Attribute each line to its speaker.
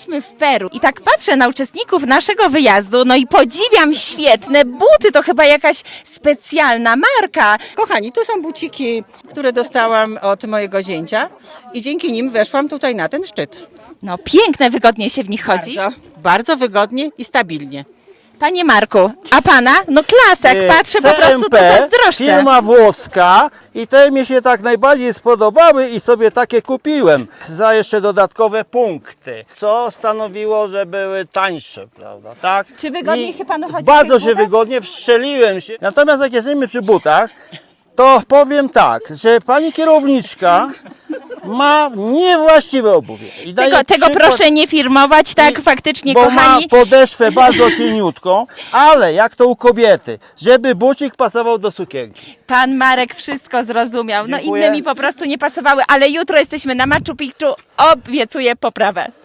Speaker 1: Jesteśmy w Peru i tak patrzę na uczestników naszego wyjazdu, no i podziwiam świetne buty, to chyba jakaś specjalna marka.
Speaker 2: Kochani, tu są buciki, które dostałam od mojego zięcia i dzięki nim weszłam tutaj na ten szczyt.
Speaker 1: No piękne, wygodnie się w nich chodzi.
Speaker 2: Bardzo wygodnie i stabilnie.
Speaker 1: Panie Marku, a pana? No klasek, patrzę, po prostu to zazdroszczę.
Speaker 3: Firma włoska i te mi się tak najbardziej spodobały i sobie takie kupiłem za jeszcze dodatkowe punkty, co stanowiło, że były tańsze, prawda, tak?
Speaker 1: Czy wygodnie się panu chodzi w
Speaker 3: Bardzo
Speaker 1: tych
Speaker 3: się
Speaker 1: butach?
Speaker 3: wygodnie, wszczeliłem się. Natomiast jak jesteśmy przy butach, to powiem tak, że pani kierowniczka ma niewłaściwe obuwie. I daje
Speaker 1: Tego
Speaker 3: przykład-
Speaker 1: proszę nie firmować, tak faktycznie,
Speaker 3: bo
Speaker 1: kochani.
Speaker 3: ma podeszwę bardzo cieniutką, ale jak to u kobiety, żeby bucik pasował do sukienki.
Speaker 1: Pan Marek wszystko zrozumiał. No
Speaker 3: Dziękuję.
Speaker 1: inne mi po prostu nie pasowały, ale jutro jesteśmy na Machu Picchu. Obiecuję poprawę.